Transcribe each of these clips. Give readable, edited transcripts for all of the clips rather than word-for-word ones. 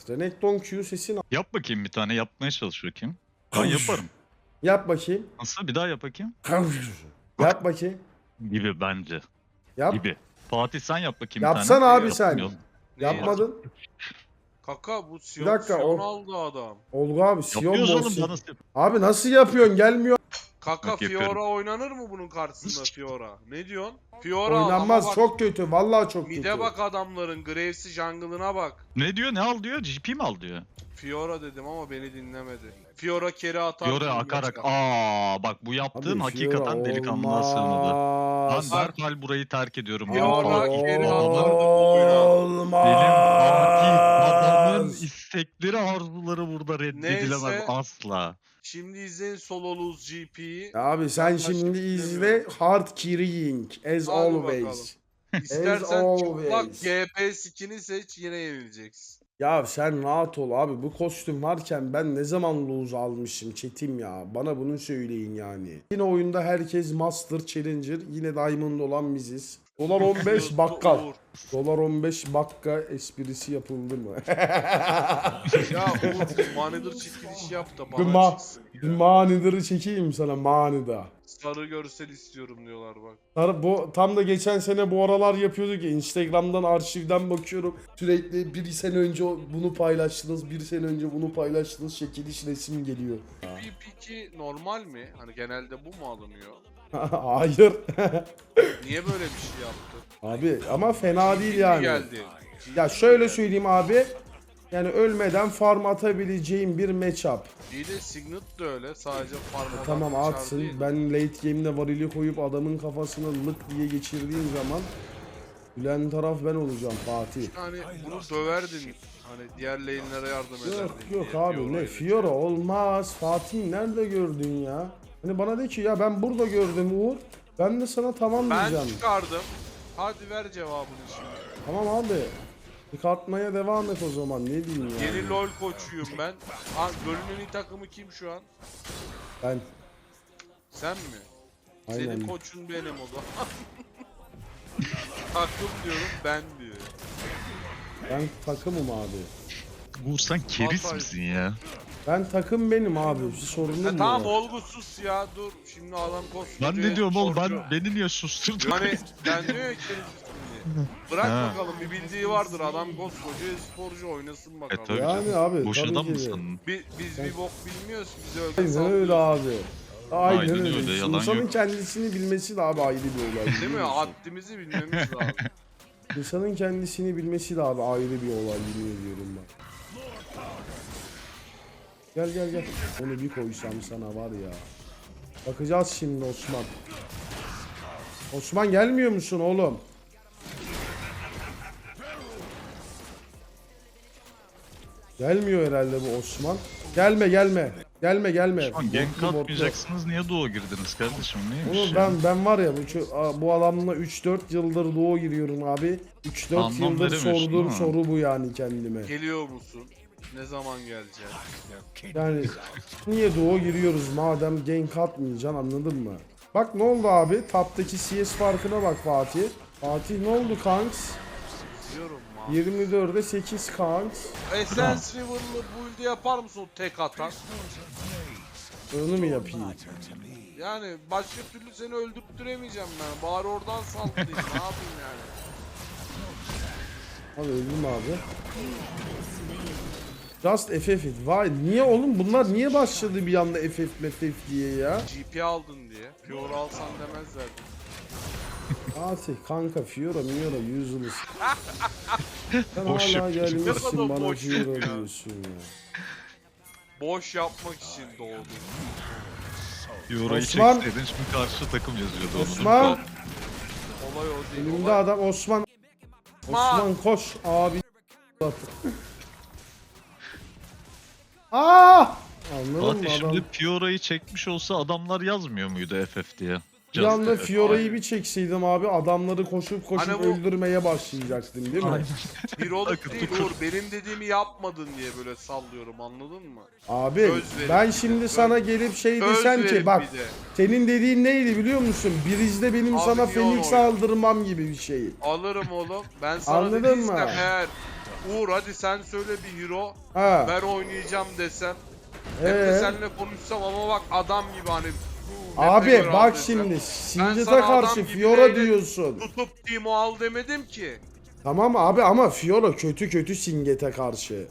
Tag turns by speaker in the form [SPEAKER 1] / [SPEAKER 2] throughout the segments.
[SPEAKER 1] Renekton Q sesini
[SPEAKER 2] Yap bakayım bir tane. Yapmaya çalış bakayım. Ben yaparım.
[SPEAKER 1] yap bakayım.
[SPEAKER 2] Nasıl? Bir daha yap bakayım.
[SPEAKER 1] Yap bakayım.
[SPEAKER 2] Gibi bence.
[SPEAKER 1] Yap.
[SPEAKER 2] Gibi. Fatih sen yap bakayım bir tane.
[SPEAKER 1] Yapsana abi sen.
[SPEAKER 2] Yapmıyorum.
[SPEAKER 1] Yapmadın.
[SPEAKER 3] Kaka bu Sion,
[SPEAKER 1] dakika,
[SPEAKER 3] Sion
[SPEAKER 1] o-
[SPEAKER 3] aldı adam.
[SPEAKER 1] Olgu abi Sion
[SPEAKER 2] Yapıyoruz oğlum.
[SPEAKER 1] Bolsi.
[SPEAKER 2] Daha nasıl yap-
[SPEAKER 1] Abi nasıl yapıyorsun? Gelmiyor.
[SPEAKER 3] Kaka
[SPEAKER 2] Bak yapıyorum.
[SPEAKER 3] Fiora oynanır mı bunun karşısında Fiora? Ne diyorsun? Fiora
[SPEAKER 1] Oynanmaz.
[SPEAKER 3] ama bak,
[SPEAKER 1] Çok kötü. Vallahi çok kötü.
[SPEAKER 3] mide bak adamların Graves'i jungle'ına bak.
[SPEAKER 2] Ne diyor? Ne al diyor? GP mi al diyor?
[SPEAKER 3] Fiora dedim ama beni dinlemedi. Fiora kere atar.
[SPEAKER 2] Yore
[SPEAKER 3] bilmem
[SPEAKER 2] akarak.
[SPEAKER 3] ne.
[SPEAKER 2] Bak bu yaptığım
[SPEAKER 1] Abi,
[SPEAKER 2] hakikaten
[SPEAKER 1] Fiora
[SPEAKER 2] delikanlılığa sığmadı. Ben
[SPEAKER 1] olmaz.
[SPEAKER 2] derhal burayı terk ediyorum. Benim
[SPEAKER 3] Fiora
[SPEAKER 2] Fatih
[SPEAKER 3] geri
[SPEAKER 2] bu adamın-
[SPEAKER 3] atardı bu oyuna.
[SPEAKER 1] Olmaz.
[SPEAKER 2] Benim Fatih adamın istekleri arzuları burada reddedilemez
[SPEAKER 3] Neyse.
[SPEAKER 2] asla.
[SPEAKER 3] Şimdi izleyin solo lose GP'yi.
[SPEAKER 1] Abi sen
[SPEAKER 3] Başka
[SPEAKER 1] şimdi
[SPEAKER 3] bir
[SPEAKER 1] izle
[SPEAKER 3] demiyorum.
[SPEAKER 1] hard carrying as
[SPEAKER 3] Hadi
[SPEAKER 1] always.
[SPEAKER 3] bakalım. İstersen
[SPEAKER 1] always.
[SPEAKER 3] çıplak GP skin'i seç yine yenileceksin.
[SPEAKER 1] Ya sen rahat ol abi, bu kostüm varken ben ne zaman lose almışım çetim ya, bana bunu söyleyin yani. Yine oyunda herkes Master Challenger, yine Diamond olan biziz. Dolar 15 bakkal.
[SPEAKER 3] Uğur.
[SPEAKER 1] Dolar 15 bakka esprisi yapıldı mı?
[SPEAKER 3] Ya Uğur Manager çekiliş yap da
[SPEAKER 1] Bir
[SPEAKER 3] bana çıksın.
[SPEAKER 1] Bir manidarı çekeyim sana, manida.
[SPEAKER 3] Sarı görsel istiyorum diyorlar bak.
[SPEAKER 1] Bu tam da geçen sene bu aralar yapıyorduk ya, Instagram'dan arşivden bakıyorum. Sürekli bir sene önce bunu paylaştınız, bir sene önce bunu paylaştınız, çekiliş resim geliyor.
[SPEAKER 3] PvP2 normal mi? Hani genelde bu mu alınıyor?
[SPEAKER 1] Hayır.
[SPEAKER 3] Niye böyle bir şey yaptı?
[SPEAKER 1] Abi ama fena değil
[SPEAKER 3] Kim
[SPEAKER 1] yani.
[SPEAKER 3] geldi?
[SPEAKER 1] Ya şöyle söyleyeyim abi. Yani ölmeden farm atabileceğim bir matchup.
[SPEAKER 3] İyi de Signet de öyle. Sadece farm
[SPEAKER 1] Tamam
[SPEAKER 3] odaklı çar
[SPEAKER 1] atsın.
[SPEAKER 3] değil.
[SPEAKER 1] Ben late game'de varili koyup adamın kafasına lık diye geçirdiğim zaman gülen taraf ben olacağım Fatih.
[SPEAKER 3] Hani bunu döverdin. Hani diğer lane'lere yardım ederdin.
[SPEAKER 1] Yok
[SPEAKER 3] diye
[SPEAKER 1] abi, ne
[SPEAKER 3] Fiora'yla.
[SPEAKER 1] Fiora olmaz. Fatih nerede gördün ya? Hani bana de ki ya ben burada gördüm Uğur. Ben de sana tamam
[SPEAKER 3] Ben
[SPEAKER 1] diyeceğim.
[SPEAKER 3] çıkardım. Hadi ver cevabını şimdi.
[SPEAKER 1] Tamam abi. Çıkartmaya devam et o zaman, ne diyeyim ya.
[SPEAKER 3] Yeni LoL koçuyum ben. Ha, LoL'ün en iyi takımı kim şu an?
[SPEAKER 1] Ben
[SPEAKER 3] Sen mi?
[SPEAKER 1] Aynen.
[SPEAKER 3] Senin koçun benim o zaman. Takım diyorum ben diyor.
[SPEAKER 1] ben takımım abi.
[SPEAKER 2] Uğur sen keris
[SPEAKER 3] Hatay.
[SPEAKER 2] misin ya?
[SPEAKER 1] Ben takım benim abi. Bir sorunum
[SPEAKER 3] Ya
[SPEAKER 1] mu?
[SPEAKER 3] tamam
[SPEAKER 1] var?
[SPEAKER 3] Olgu sus ya dur. Şimdi adam koskoca.
[SPEAKER 2] Ben ne diyorum oğlum?
[SPEAKER 3] sporcu.
[SPEAKER 2] Beni niye susturdun?
[SPEAKER 3] Hani ben diyor ya kendisi. Bırak
[SPEAKER 2] Ha.
[SPEAKER 3] bakalım bir bildiği vardır adam koskoca sporcu oynasın bakalım.
[SPEAKER 2] tabii.
[SPEAKER 1] Yani abi
[SPEAKER 2] Boş
[SPEAKER 1] tabii
[SPEAKER 2] adam
[SPEAKER 1] ki de.
[SPEAKER 2] mısın?
[SPEAKER 3] Biz bir bok bilmiyoruz bizi öyle
[SPEAKER 1] Aynen
[SPEAKER 3] sallıyor.
[SPEAKER 1] öyle abi. Aynen,
[SPEAKER 2] Aynen
[SPEAKER 1] öyle.
[SPEAKER 2] öyle, yalan
[SPEAKER 1] İnsanın
[SPEAKER 2] yok.
[SPEAKER 1] kendisini bilmesi de abi ayrı bir olay.
[SPEAKER 3] Değil mi?
[SPEAKER 1] biliyor musun?
[SPEAKER 3] Haddimizi bilmemiz lazım.
[SPEAKER 1] İnsanın kendisini bilmesi de abi ayrı bir olay, yemin ediyorum ben. Gel gel gel. Onu bir koysam sana var ya. Bakacağız şimdi Osman. Osman gelmiyor musun oğlum? Gelmiyor herhalde bu Osman. Gelme gelme. Gelme gelme.
[SPEAKER 2] Şu an gank
[SPEAKER 1] Botlu, botlu.
[SPEAKER 2] atmayacaksınız. Niye doğu girdiniz kardeşim? Neymiş
[SPEAKER 1] Oğlum
[SPEAKER 2] ya?
[SPEAKER 1] ben var ya bu adamla 3-4 yıldır doğu giriyorum abi. 3-4
[SPEAKER 2] Anlam
[SPEAKER 1] yıldır
[SPEAKER 2] veremiyorsun,
[SPEAKER 1] sorduğum
[SPEAKER 2] değil mi?
[SPEAKER 1] soru bu yani kendime.
[SPEAKER 3] Geliyor musun? Ne zaman geleceksin?
[SPEAKER 1] Yani niye doğu giriyoruz madem gank atmayacaksın, anladın mı? Bak ne oldu abi? Taptaki CS farkına bak Fatih. Fatih ne oldu kanks?
[SPEAKER 3] Diyorum ma.
[SPEAKER 1] 24'e 8 kanks.
[SPEAKER 3] Essence River'lı build'i yapar mısın o tek atan?
[SPEAKER 1] Onu mu yapayım?
[SPEAKER 3] Yani başka türlü seni öldürttüremeyeceğim ben. Bari oradan sallayayım. Ne yapayım yani?
[SPEAKER 1] Abi öldüm abi. Just FF it. Vay niye oğlum, bunlar niye başladı bir anda FF diye ya?
[SPEAKER 3] GP aldın diye. Fiora alsan demezler.
[SPEAKER 1] Fatih kanka Fiora Miora useless. Sen
[SPEAKER 2] Boş
[SPEAKER 1] hala
[SPEAKER 2] yapıyor.
[SPEAKER 3] Ne
[SPEAKER 1] gelmişsin
[SPEAKER 3] kadar
[SPEAKER 1] bana
[SPEAKER 3] boş
[SPEAKER 1] Fiora
[SPEAKER 3] yapıyor.
[SPEAKER 1] diyorsun ya.
[SPEAKER 3] Boş yapmak için doğdun.
[SPEAKER 2] Euro'yu
[SPEAKER 1] Osman.
[SPEAKER 2] çekseydin şimdi karşı takım yazıyordu onu.
[SPEAKER 1] Osman.
[SPEAKER 3] Olay o değil.
[SPEAKER 1] Önümde
[SPEAKER 3] Olay...
[SPEAKER 1] adam Osman. Osman koş abi. Aa! Anladın mı
[SPEAKER 2] Fatih
[SPEAKER 1] adam?
[SPEAKER 2] şimdi Fiora'yı çekmiş olsa adamlar yazmıyor muydu FF diye?
[SPEAKER 1] Bir
[SPEAKER 2] Just
[SPEAKER 1] anda
[SPEAKER 2] FF.
[SPEAKER 1] Fiora'yı bir çekseydim abi, adamları koşup
[SPEAKER 3] Hani bu-
[SPEAKER 1] öldürmeye başlayacaktım değil mi?
[SPEAKER 3] Bir olup
[SPEAKER 2] Takır
[SPEAKER 3] değil
[SPEAKER 2] tukur.
[SPEAKER 3] Uğur. Benim dediğimi yapmadın diye böyle sallıyorum anladın mı?
[SPEAKER 1] Abi
[SPEAKER 3] Söz verin
[SPEAKER 1] ben
[SPEAKER 3] bir de,
[SPEAKER 1] şimdi
[SPEAKER 3] söz-
[SPEAKER 1] sana gelip şey
[SPEAKER 3] Söz
[SPEAKER 1] desem
[SPEAKER 3] verin
[SPEAKER 1] ki bak
[SPEAKER 3] bir de.
[SPEAKER 1] senin dediğin neydi biliyor musun? Birizde benim
[SPEAKER 3] Abi
[SPEAKER 1] sana
[SPEAKER 3] niye onu
[SPEAKER 1] Phoenix
[SPEAKER 3] oynadın?
[SPEAKER 1] aldırmam gibi bir şey.
[SPEAKER 3] Alırım oğlum. Ben sana
[SPEAKER 1] Anladın
[SPEAKER 3] dediysem
[SPEAKER 1] mı?
[SPEAKER 3] eğer Uğur hadi sen söyle bir hero.
[SPEAKER 1] Ha.
[SPEAKER 3] Ben oynayacağım desem. Hem de seninle konuşsam ama bak adam gibi hani.
[SPEAKER 1] Abi
[SPEAKER 3] Map'e göre al
[SPEAKER 1] bak
[SPEAKER 3] desem.
[SPEAKER 1] şimdi Singed'e
[SPEAKER 3] sana adam
[SPEAKER 1] karşı
[SPEAKER 3] gibi
[SPEAKER 1] Fiora
[SPEAKER 3] neyle
[SPEAKER 1] diyorsun.
[SPEAKER 3] Tutup Timo al demedim ki.
[SPEAKER 1] Tamam abi ama Fiora kötü Singed'e karşı.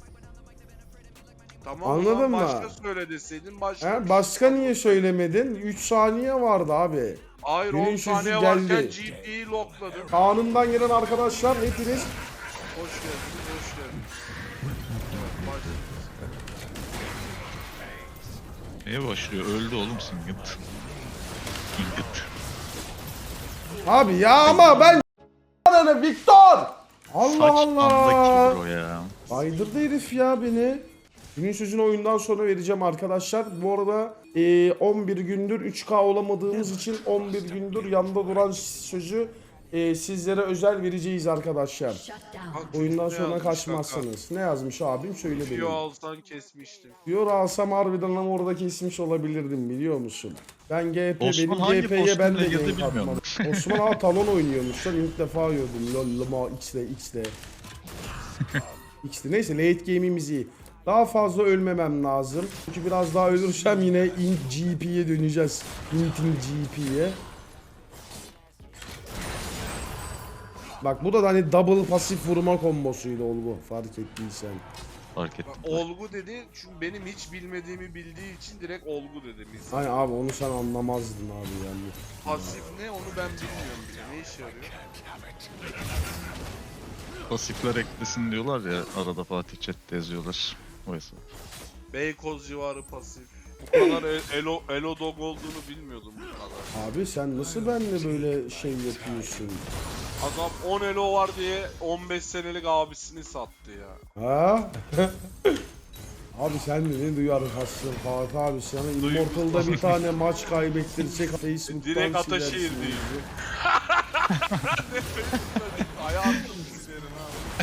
[SPEAKER 3] Tamam
[SPEAKER 1] Anladın
[SPEAKER 3] o zaman
[SPEAKER 1] mı?
[SPEAKER 3] başka söyle deseydin başka.
[SPEAKER 1] He,
[SPEAKER 3] bir
[SPEAKER 1] başka
[SPEAKER 3] şey
[SPEAKER 1] niye söylemedin? 3 saniye vardı abi.
[SPEAKER 3] Hayır
[SPEAKER 1] Günün
[SPEAKER 3] 10
[SPEAKER 1] sözü
[SPEAKER 3] saniye
[SPEAKER 1] geldi.
[SPEAKER 3] varken GP'yi lokladım.
[SPEAKER 1] Kanundan gelen arkadaşlar hepiniz
[SPEAKER 3] Hoş geldiniz, hoş geldiniz. Evet, başlıyoruz.
[SPEAKER 2] Neye başlıyor? Öldü oğlum Singed. Singed.
[SPEAKER 1] abi ya ama ben Victor! Allah
[SPEAKER 2] Saçmandaki
[SPEAKER 1] Allah!
[SPEAKER 2] bro ya.
[SPEAKER 1] Baydırdı herif ya beni. Günün sözünü oyundan sonra vereceğim arkadaşlar. Bu arada 11 gündür 3K olamadığımız için 11 gündür yanda duran sözü sizlere özel vereceğiz arkadaşlar.
[SPEAKER 3] Bak,
[SPEAKER 1] Oyundan
[SPEAKER 3] ne
[SPEAKER 1] sonra
[SPEAKER 3] yazmış
[SPEAKER 1] kaçmazsınız. Ne yazmış abim söyle
[SPEAKER 3] kanka? Yo
[SPEAKER 1] benim.
[SPEAKER 3] alsan kesmiştim.
[SPEAKER 1] Diyor alsam harbiden ama orada kesmiş olabilirdim biliyor musun? Ben GP
[SPEAKER 2] Osman
[SPEAKER 1] benim
[SPEAKER 2] hangi
[SPEAKER 1] GP'ye ben de
[SPEAKER 2] kostümle girdi
[SPEAKER 1] gank
[SPEAKER 2] bilmiyorum.
[SPEAKER 1] atmadım. Osman abi talon oynuyormuş lan ilk defa gördüm. Lollama X'de. X'de neyse late game'imiz iyi. Daha fazla ölmemem lazım. Çünkü biraz daha ölürsem yine int GP'ye döneceğiz. Inting GP'ye. Bak bu da hani double pasif vurma kombosuydu Olgu fark ettiysen.
[SPEAKER 2] Fark
[SPEAKER 3] Bak,
[SPEAKER 2] ettim.
[SPEAKER 3] olgu dedi çünkü benim hiç bilmediğimi bildiği için direkt olgu dedim. İnsan.
[SPEAKER 1] Hani abi onu sen anlamazdın abi yani.
[SPEAKER 3] Pasif ne onu ben bilmiyorum bile. Ne işe yarıyor?
[SPEAKER 2] Pasifler eklesin diyorlar ya arada Fatih chat'te yazıyorlar. O hesap.
[SPEAKER 3] Beykoz civarı pasif. Bu kadar elo dog olduğunu bilmiyordum bu kadar.
[SPEAKER 1] Abi sen nasıl benimle böyle şey yapıyorsun?
[SPEAKER 3] Adam 10 elo var diye 15 senelik abisini sattı ya.
[SPEAKER 1] Ha? Abi sen de ne duyar hastasın Fatih abi sana Immortal'da bir tane maç kaybettirsek Facebook'tan
[SPEAKER 3] Direkt Ataşehir
[SPEAKER 1] silersin
[SPEAKER 3] değil.
[SPEAKER 1] bizi.
[SPEAKER 3] Hayatım sizlerin abi.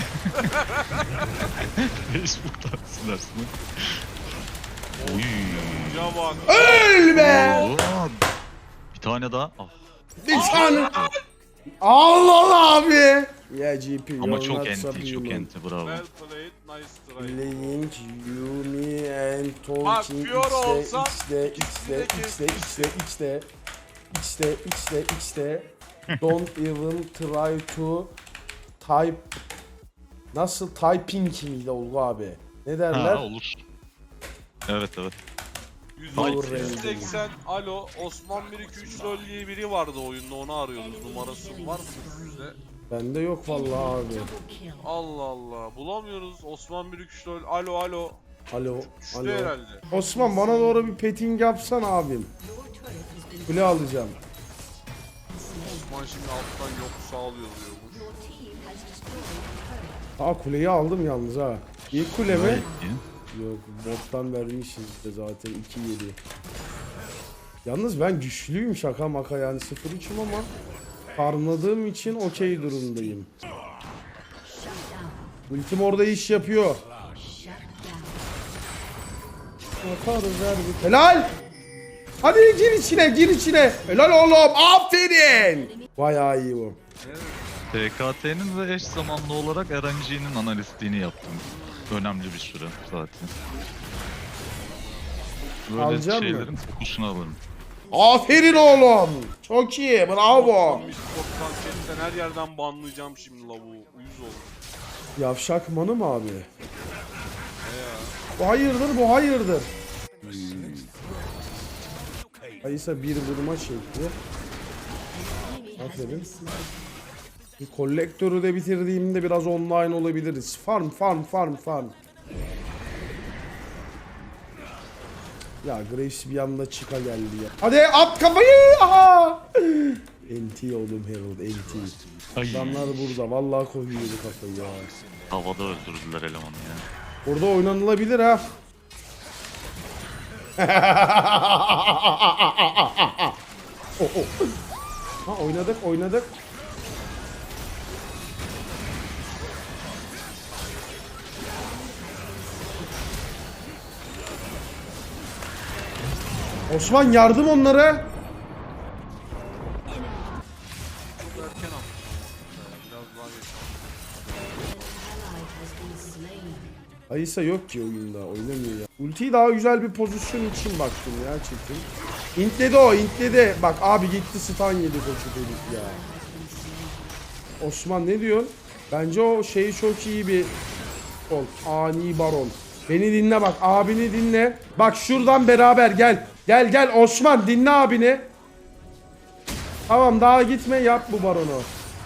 [SPEAKER 2] Facebook'tan silersin. Oy.
[SPEAKER 3] Ya bak.
[SPEAKER 1] Öl be!
[SPEAKER 2] Oo, bir tane daha. Ah.
[SPEAKER 1] Bir tane. Allah abi. Ya GP
[SPEAKER 2] Ama
[SPEAKER 1] you're
[SPEAKER 2] çok
[SPEAKER 1] not
[SPEAKER 2] enti, çok
[SPEAKER 1] subhuman.
[SPEAKER 2] enti bravo.
[SPEAKER 3] Well played, nice try.
[SPEAKER 1] Playing Yumi and
[SPEAKER 3] Bak,
[SPEAKER 1] talking
[SPEAKER 3] Fiora olsa
[SPEAKER 1] X'de don't even try to type nasıl typing miydi Olgu abi? Ne derler?
[SPEAKER 2] Ha olur. Evet evet.
[SPEAKER 3] 180 alo Osman 123 rol diye biri vardı oyunda onu arıyordunuz numarası var mı sizde?
[SPEAKER 1] Bende yok vallahi abi.
[SPEAKER 3] Allah Allah bulamıyoruz Osman 123 rol alo alo
[SPEAKER 1] Alo,
[SPEAKER 3] düştü
[SPEAKER 1] alo.
[SPEAKER 3] herhalde.
[SPEAKER 1] Osman bana doğru bir petting yapsan abim. Kule alacağım.
[SPEAKER 3] Osman şimdi alttan yok sağlıyor diyormuş.
[SPEAKER 1] Aa kuleyi aldım yalnız ha. İlk kule mi?
[SPEAKER 2] Gayet iyi.
[SPEAKER 1] Yok bottan vermişiz de zaten 2-7. Yalnız ben güçlüyüm şaka maka yani 0-3'üm ama farmladığım için okey durumdayım. Ultim orada iş yapıyor. Yaparız her helal! Hadi gir içine gir içine. Helal oğlum aferin. Bayağı iyi bu.
[SPEAKER 2] TKT'nin ve eş zamanlı olarak RNG'nin analistliğini yaptım. Önemli bir süre zaten. Böyle
[SPEAKER 1] Alacak mı?
[SPEAKER 2] şeylerin fokusunu alırım.
[SPEAKER 1] Aferin oğlum. Çok iyi bravo.
[SPEAKER 3] Biz Sport'tan chatten her yerden banlayacağım şimdi lavuğu uyuz oldu.
[SPEAKER 1] Yavşak manı mı abi? Bu hayırdır bu hayırdır. Kayısa bir vurma şekli. Aferin. Bir kolektörü de bitirdiğimde biraz online olabiliriz. Farm. Ya Graves bir anda çıka geldi ya. Hadi at kafayı. Aha. NT oğlum Herald NT.
[SPEAKER 2] Ay,
[SPEAKER 1] Adamlar burada vallahi koyuyordu kafayı ya.
[SPEAKER 2] havada öldürdüler elemanı ya.
[SPEAKER 1] Burada oynanılabilir ha. Ha oynadık. Osman yardım onlara.
[SPEAKER 3] Çok erken attım. Biraz daha geç.
[SPEAKER 1] Kayısa yok ki oyunda. Oynamıyor ya. Ultiyi daha güzel bir pozisyon için baktım ya çekim. İntledi o, intledi. Bak abi gitti stun yedi koçu dedik ya. Osman ne diyorsun? Bence o şeyi çok iyi bir ol. Ani baron. Beni dinle bak, abini dinle. Bak şuradan beraber gel. Gel Osman, dinle abini. Tamam, daha gitme, yap bu baronu.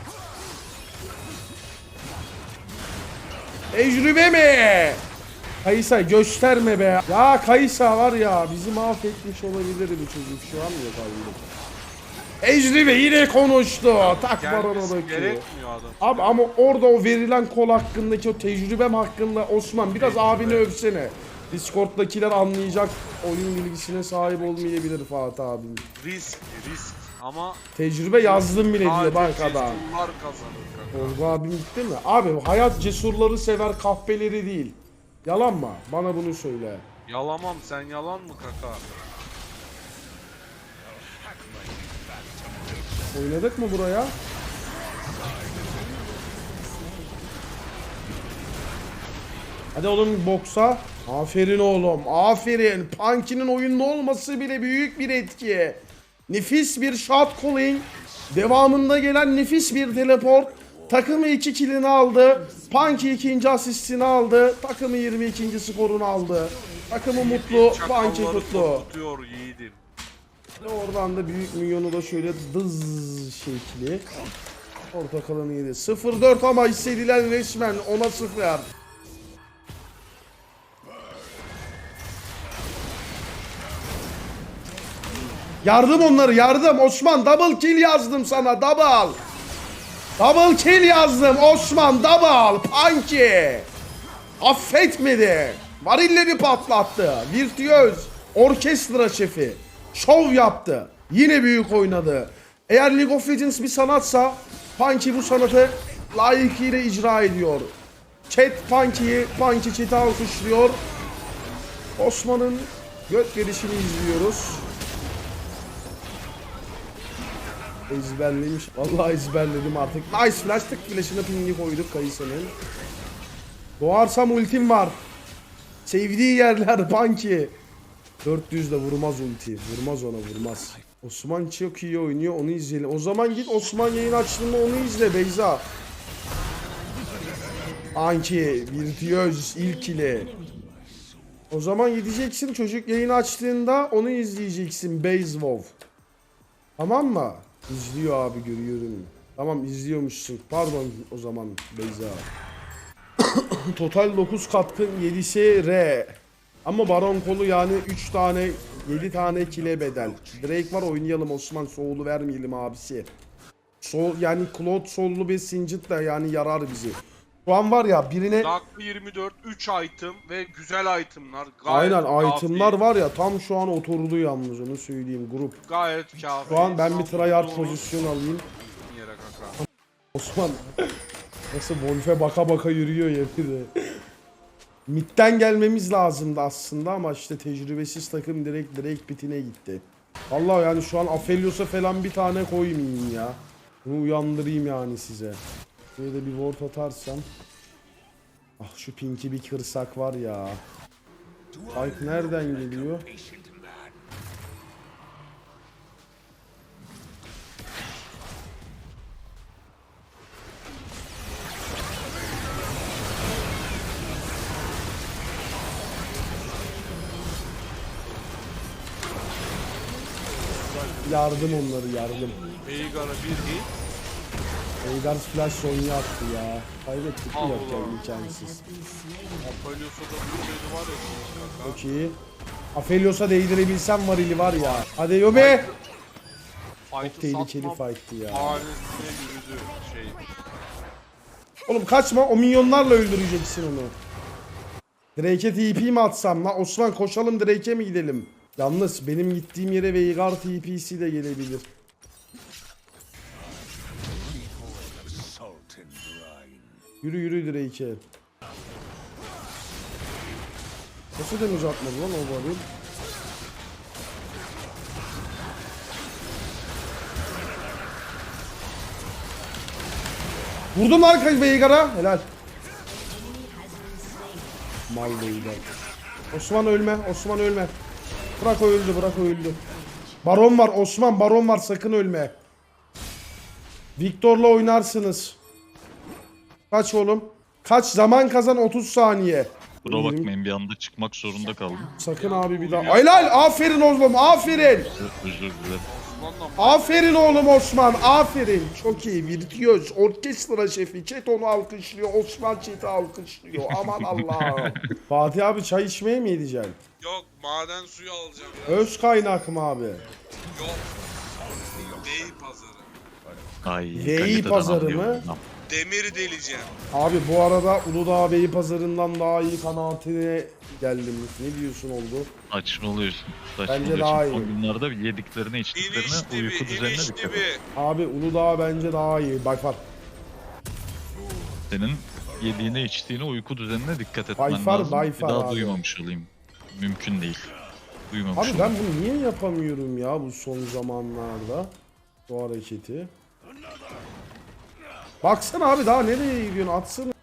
[SPEAKER 1] Tecrübe mi? Kayısa gösterme be. Ya Kayısa var ya, bizi mahvetmiş olabilir bu çocuk, şu an yok abi. Tecrübe yine konuştu. Tak barona
[SPEAKER 3] Gelmesi
[SPEAKER 1] bakıyor.
[SPEAKER 3] gerekmiyor adam.
[SPEAKER 1] Abi ama orada o verilen kol hakkındaki o tecrübem hakkında Osman biraz abini övsene. Discord'dakiler anlayacak, oyun bilgisine sahip olmayabilir Fatih abim.
[SPEAKER 3] Risk ama
[SPEAKER 1] Tecrübe yazdım bile diyor bak
[SPEAKER 3] sadece
[SPEAKER 1] adam.
[SPEAKER 3] cesurlar kazanır kanka.
[SPEAKER 1] Olgu abim gitti mi? Abi hayat cesurları sever, kahpeleri değil. Yalan mı? Bana bunu söyle.
[SPEAKER 3] Yalamam, sen yalan mı kaka?
[SPEAKER 1] Oynadık mı buraya? Hadi oğlum boksa. Aferin oğlum. Aferin. Punky'nin oyunda olması bile büyük bir etki. Nefis bir shot calling. Devamında gelen nefis bir teleport. Takımı 2 killini aldı. Punky 2. asistini aldı. Takımı 22. skorunu aldı. Takımı mutlu. Punky
[SPEAKER 3] Çakalları
[SPEAKER 1] kutlu.
[SPEAKER 3] tutuyor yiğidim.
[SPEAKER 1] Ve oradan da büyük minyonu da şöyle dız şekli. Portakalını yedi. 0-4 ama hissedilen resmen 10'a 0. Yardım onları, yardım. Osman double kill yazdım sana, double. Double kill yazdım Osman, double. Punky. Affetmedi. Varilleri patlattı. Virtüöz. Orkestra şefi. Şov yaptı. Yine büyük oynadı. Eğer League of Legends bir sanatsa Punky bu sanatı layıkıyla icra ediyor. Chat Punky'yi, Punky chat'i alkışlıyor. Osman'ın göt verişini izliyoruz. Ezberlemiş. Vallahi ezberledim artık. Nice flash, tık flash'ına pingi koyduk Kayısı'nın. Doğarsam ultim var. Sevdiği yerler Punky. 400 de vurmaz ulti. Vurmaz ona, vurmaz. Osman çok iyi oynuyor, onu izleyelim. O zaman git Osman yayın açtığında onu izle Beyza. Anki, virtüöz ilk ile. O zaman gideceksin, çocuk yayın açtığında onu izleyeceksin Beyzvov. Tamam mı? İzliyor abi, görüyorum. Tamam, izliyormuşsun. Pardon o zaman Beyza. Total 9 katkın, 7'si R. Ama Baron kolu yani 3 tane 7 tane kile bedel. Drake var, oynayalım Osman, soğulu vermeyelim abisi. Yani Claude sollu bir Singed da yani yarar bizi. Şu an var ya birine...
[SPEAKER 3] Dakika 24, 3 item ve güzel itemlar. Gayet
[SPEAKER 1] Aynen
[SPEAKER 3] kafi.
[SPEAKER 1] itemlar var ya, tam şu an oturdu yalnız, onu söyleyeyim grup.
[SPEAKER 3] Gayet kafi.
[SPEAKER 1] Şu an ben bir tryhard
[SPEAKER 3] Doğru.
[SPEAKER 1] pozisyon alayım.
[SPEAKER 3] Yere kaka.
[SPEAKER 1] Osman nasıl Wolf'e baka baka yürüyor yemin. Mid'den gelmemiz lazımdı aslında ama işte tecrübesiz takım direkt pitine gitti. Vallahi yani şu an Aphelios'a falan bir tane koymayayım ya. Bunu uyandırayım yani size. Şöyle de bir ward atarsam. Ah şu pinki bir kırsak var ya. Fight nereden geliyor? Yardım onları, yardım.
[SPEAKER 3] Veigar'a bir hit.
[SPEAKER 1] Veigar flash Sonya attı ya. Kaybettik mi
[SPEAKER 3] Allah.
[SPEAKER 1] yok ya, imkansız.
[SPEAKER 3] Aphelios'a da bir şey var ya kaka.
[SPEAKER 1] Çok iyi. Aphelios'a değdirebilsem varili var ya. Hadi Yobe. Çok
[SPEAKER 3] Fight'ı
[SPEAKER 1] tehlikeli
[SPEAKER 3] satmam.
[SPEAKER 1] fight'tı ya.
[SPEAKER 3] Hanesine yürüdü şey.
[SPEAKER 1] Oğlum kaçma, o minyonlarla öldüreceksin onu. Drake'e TP mi atsam la? Osman koşalım, Drake'e mi gidelim? Yalnız benim gittiğim yere Veigar TP'si de gelebilir. Yürü yürü Drake'e. Nasıl damage atmadı lan o varil? Vurdum lan Veigar'a. Helal. Mal değiller. Osman ölme. Osman ölme. Bırak o öldü. Bırak o öldü. Baron var Osman. Baron var. Sakın ölme. Viktor'la oynarsınız. Kaç oğlum? Kaç zaman kazan 30 saniye.
[SPEAKER 2] Buna bakmayın bir anda çıkmak zorunda kaldım.
[SPEAKER 1] Sakın abi bir daha. Helal. Aferin oğlum. Aferin.
[SPEAKER 2] Özür dilerim.
[SPEAKER 3] Osman'la
[SPEAKER 1] Aferin oğlum Osman. Aferin. Çok iyi. Virtüöz. Orkestra şefi. Chat onu alkışlıyor. Osman chat'i alkışlıyor. Aman Allah'ım. Fatih abi çay içmeye mi gideceksin?
[SPEAKER 3] Yok, maden suyu alacağım ya.
[SPEAKER 1] Öz kaynak mı abi?
[SPEAKER 3] Yok. Bey pazarı.
[SPEAKER 2] Ay,
[SPEAKER 1] Veyi
[SPEAKER 2] kaliteden
[SPEAKER 1] pazarı
[SPEAKER 2] anlıyorum.
[SPEAKER 1] mı?
[SPEAKER 3] Demir deleceğim.
[SPEAKER 1] Abi bu arada Uludağ Beyi pazarından daha iyi kanaatine geldim. Ne diyorsun oldu?
[SPEAKER 2] Saçmalıyorsun.
[SPEAKER 1] Bence daha iyi.
[SPEAKER 2] O günlerde yediklerine içtiklerine
[SPEAKER 3] İniş
[SPEAKER 2] uyku
[SPEAKER 3] dibi,
[SPEAKER 2] düzenine
[SPEAKER 3] iniş
[SPEAKER 2] dikkat et.
[SPEAKER 3] dibi.
[SPEAKER 1] Abi Uludağ bence daha iyi. By far.
[SPEAKER 2] Senin yediğine içtiğine uyku düzenine dikkat etmen
[SPEAKER 1] By far,
[SPEAKER 2] lazım.
[SPEAKER 1] by
[SPEAKER 2] Bir
[SPEAKER 1] far
[SPEAKER 2] daha
[SPEAKER 1] abi.
[SPEAKER 2] duymamış olayım. Mümkün değil. Duymamış
[SPEAKER 1] Abi
[SPEAKER 2] olayım.
[SPEAKER 1] ben bunu niye yapamıyorum ya bu son zamanlarda? Bu hareketi. Baksana abi daha nereye gidiyorsun? Atsana.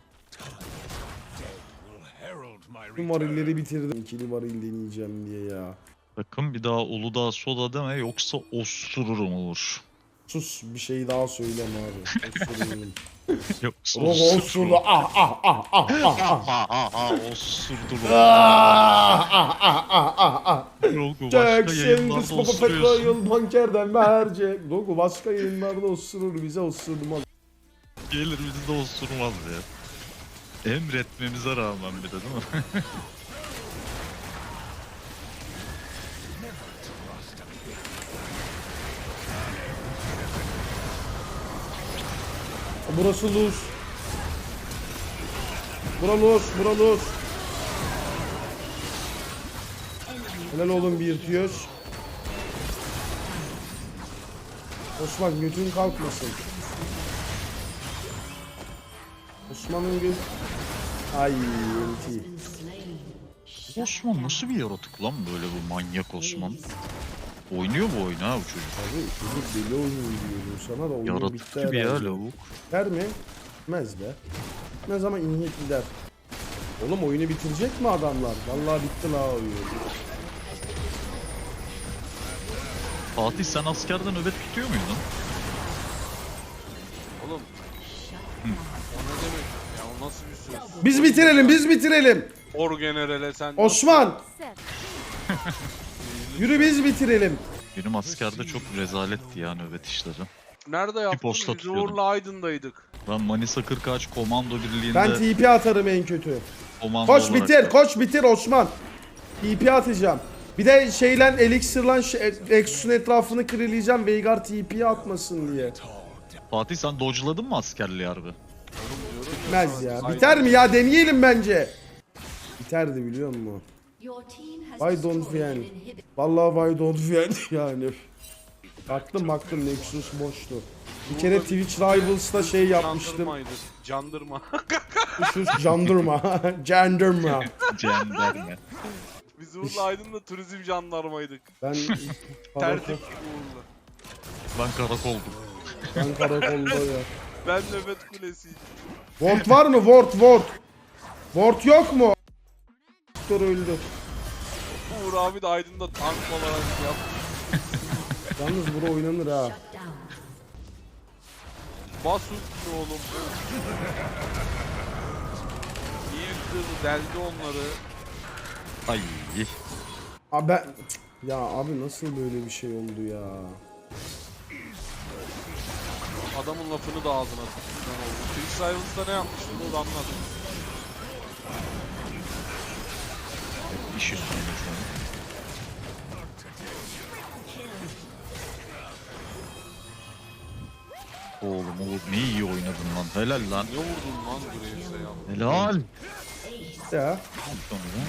[SPEAKER 1] Bu varilleri bitirdim. İkili varil deneyeceğim diye ya.
[SPEAKER 2] Sakın bir daha Uludağ soda deme yoksa osururum olur.
[SPEAKER 1] Sus bir şey daha söyleme abi. Osururum.
[SPEAKER 2] Yoksa
[SPEAKER 1] Rogo osuru. Ah ah ah ah ah ah.
[SPEAKER 2] Osurdum.
[SPEAKER 1] Ah ah ah ah ah ah.
[SPEAKER 2] Rogo başka
[SPEAKER 1] Jackson
[SPEAKER 2] yayınlarda
[SPEAKER 1] Papa Petro
[SPEAKER 2] osuruyorsun.
[SPEAKER 1] Yıl bankerden verecek. Rogo başka yayınlarda osurur bize osurmaz.
[SPEAKER 2] Gelir bizi de osurmaz ya. Emretmemize rağmen bir de değil mi?
[SPEAKER 1] Burası lose. Bura lose, bura lose. Helal oğlum bir tüyoz. Osman götün kalkmasın. Osman'ın göt... Ay enti.
[SPEAKER 2] Osman nasıl bir yaratık lan böyle bu manyak Osman? Oynuyor bu oyunu ha bu çocuk.
[SPEAKER 1] Abi çocuk deli oyunu diyorum sana da oyun
[SPEAKER 2] Yaratık
[SPEAKER 1] bitti
[SPEAKER 2] gibi ya
[SPEAKER 1] herhalde.
[SPEAKER 2] lavuk.
[SPEAKER 1] Der mi? Bitmez be. Ne zaman inhiyet gider. Oğlum oyunu bitirecek mi adamlar? Vallahi bitti la oyun.
[SPEAKER 2] Fatih sen askerde nöbet tutuyor muydun?
[SPEAKER 3] Oğlum. O ne demek ya? O nasıl bir söz?
[SPEAKER 1] Biz bitirelim, biz bitirelim.
[SPEAKER 3] Orgenerale sen...
[SPEAKER 1] Osman! Yürü biz bitirelim.
[SPEAKER 2] Benim askerde çok rezaletti ya nöbet işleri.
[SPEAKER 3] Nerede yaptın?
[SPEAKER 2] posta
[SPEAKER 3] Biz
[SPEAKER 2] tutuyordum.
[SPEAKER 3] Uğur'la Aydın'daydık.
[SPEAKER 2] Ben Manisa 40 komando birliğinde
[SPEAKER 1] Ben TP atarım en kötü.
[SPEAKER 2] komando
[SPEAKER 1] Koş
[SPEAKER 2] olarak-
[SPEAKER 1] bitir, koş bitir Osman. TP atacağım. Bir de şeyle Elixir'lan Exus'un etrafını kırılayacağım Veigar TP'ye atmasın diye.
[SPEAKER 2] Fatih sen dodge'ladın mı askerliği harbi?
[SPEAKER 1] Bitmez ya. Biter mi ya? Deneyelim bence. Biterdi biliyor musun? Why don't we end? Vallahi why don't we end yani. Baktım Nexus boştu. Bir kere Twitch Rivals'ta şey yapmıştım.
[SPEAKER 3] Candırmaydı. Candırma.
[SPEAKER 1] Sus jandırma. Jandırma.
[SPEAKER 2] Cenderme.
[SPEAKER 3] Biz Uğur'la Aydın'da turizm jandarmaydık.
[SPEAKER 1] Ben
[SPEAKER 3] Tertip Uğur'la.
[SPEAKER 2] Ben karakoldum.
[SPEAKER 1] Ben karakolda ya.
[SPEAKER 3] Ben nöbet kulesiydim.
[SPEAKER 1] Ward var mı? Ward. Ward yok mu? Doktor öldü.
[SPEAKER 3] Uğur abi de Aydın'da tank olarak yaptı.
[SPEAKER 1] Yalnız bura oynanır ha.
[SPEAKER 3] Bas üstüne oğlum. İyi kırdı, deldi onları.
[SPEAKER 2] Ay.
[SPEAKER 1] Abi ben... Ya abi nasıl böyle bir şey oldu ya?
[SPEAKER 3] Adamın lafını da ağzına tuttu. Twitch Rivals'da ne yapmıştın onu da anladım.
[SPEAKER 2] İş üstüne şu an. Oğlum ne iyi oynadın lan. Helal lan.
[SPEAKER 3] Ne vurdun lan Graves'e ya?
[SPEAKER 2] Helal.
[SPEAKER 1] Ya.
[SPEAKER 2] Sonra.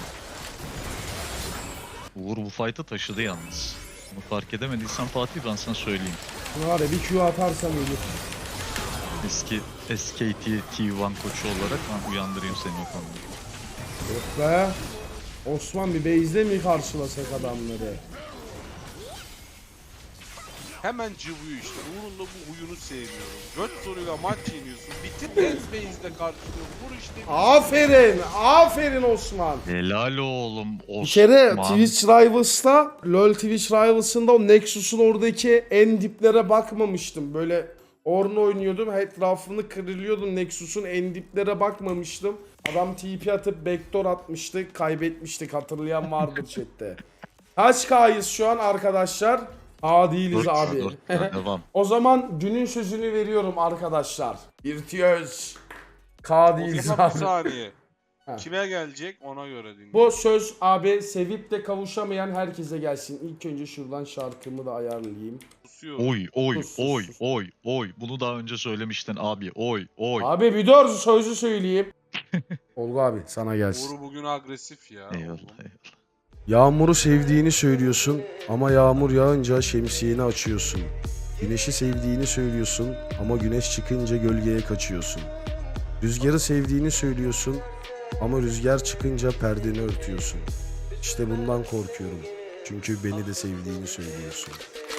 [SPEAKER 2] Uğur bu fight'ı taşıdı yalnız. Bunu fark edemediysen Fatih ben sana söyleyeyim.
[SPEAKER 1] Şuna var ya bir Q atarsam ölür.
[SPEAKER 2] Eski SKT T1 koçu olarak ben uyandırayım seni o konuda.
[SPEAKER 1] Yok be. Osman bir base'de mi karşılasak adamları?
[SPEAKER 3] Hemen cıvıyor işte. Uğur'un da bu huyunu sevmiyorum. Göt soruyla maç yeniyorsun. Bitir Base'de karşılıyor. Vur işte.
[SPEAKER 1] Aferin. Aferin Osman.
[SPEAKER 2] Helal oğlum Osman.
[SPEAKER 1] Bir kere Twitch Rivals'ta, LoL Twitch Rivals'ında o Nexus'un oradaki en diplere bakmamıştım. Böyle Ornn oynuyordum, etrafını kırılıyordum. Nexus'un en diplere bakmamıştım. Adam TP atıp backdoor atmıştı, kaybetmiştik. Hatırlayan vardır chatte. Kaç K'yız şu an arkadaşlar? A değiliz abi.
[SPEAKER 2] Devam.
[SPEAKER 1] O zaman günün sözünü veriyorum arkadaşlar. Virtüöz. K
[SPEAKER 3] O
[SPEAKER 1] değiliz
[SPEAKER 3] zaman bir
[SPEAKER 1] abi.
[SPEAKER 3] saniye.
[SPEAKER 1] Ha.
[SPEAKER 3] Kime gelecek ona göre dinle.
[SPEAKER 1] Bu söz abi sevip de kavuşamayan herkese gelsin. İlk önce şuradan şarkımı da ayarlayayım.
[SPEAKER 3] Susuyorum.
[SPEAKER 2] Oy
[SPEAKER 1] Sus,
[SPEAKER 2] oy
[SPEAKER 1] sus.
[SPEAKER 2] oy. Bunu daha önce söylemiştin abi. Oy.
[SPEAKER 1] Abi bir dur sözü söyleyeyim. Olgu abi sana gelsin.
[SPEAKER 3] Uğur bugün agresif ya.
[SPEAKER 2] Eyvallah.
[SPEAKER 1] Yağmuru sevdiğini söylüyorsun ama yağmur yağınca şemsiyeni açıyorsun. Güneşi sevdiğini söylüyorsun ama güneş çıkınca gölgeye kaçıyorsun. Rüzgarı sevdiğini söylüyorsun ama rüzgar çıkınca perdeni örtüyorsun. İşte bundan korkuyorum. Çünkü beni de sevdiğini söylüyorsun.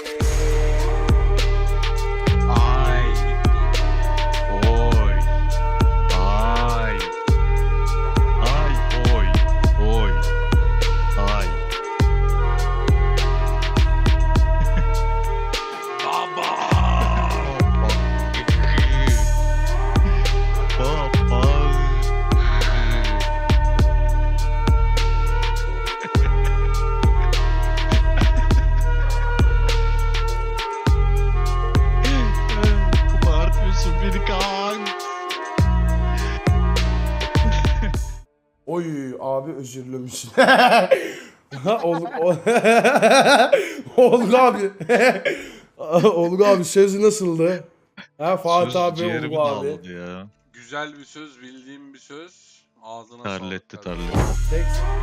[SPEAKER 3] Ay.
[SPEAKER 2] Oy. Ay. Ay oy. Oy. Ay.
[SPEAKER 3] Baba.
[SPEAKER 2] Baba. Bağırtıyorsun beni kan.
[SPEAKER 1] Oy abi özür dilemişsin. Olgu abi. Olgu abi söz nasıldı? Ha Fatih
[SPEAKER 2] Söz
[SPEAKER 1] abi,
[SPEAKER 2] ciğerimi
[SPEAKER 1] Olgu abi.
[SPEAKER 2] dağladı ya.
[SPEAKER 3] Güzel bir söz, bildiğim bir söz. Ağzına
[SPEAKER 2] Terletti
[SPEAKER 3] sağlık.
[SPEAKER 2] terletti.
[SPEAKER 1] Tek-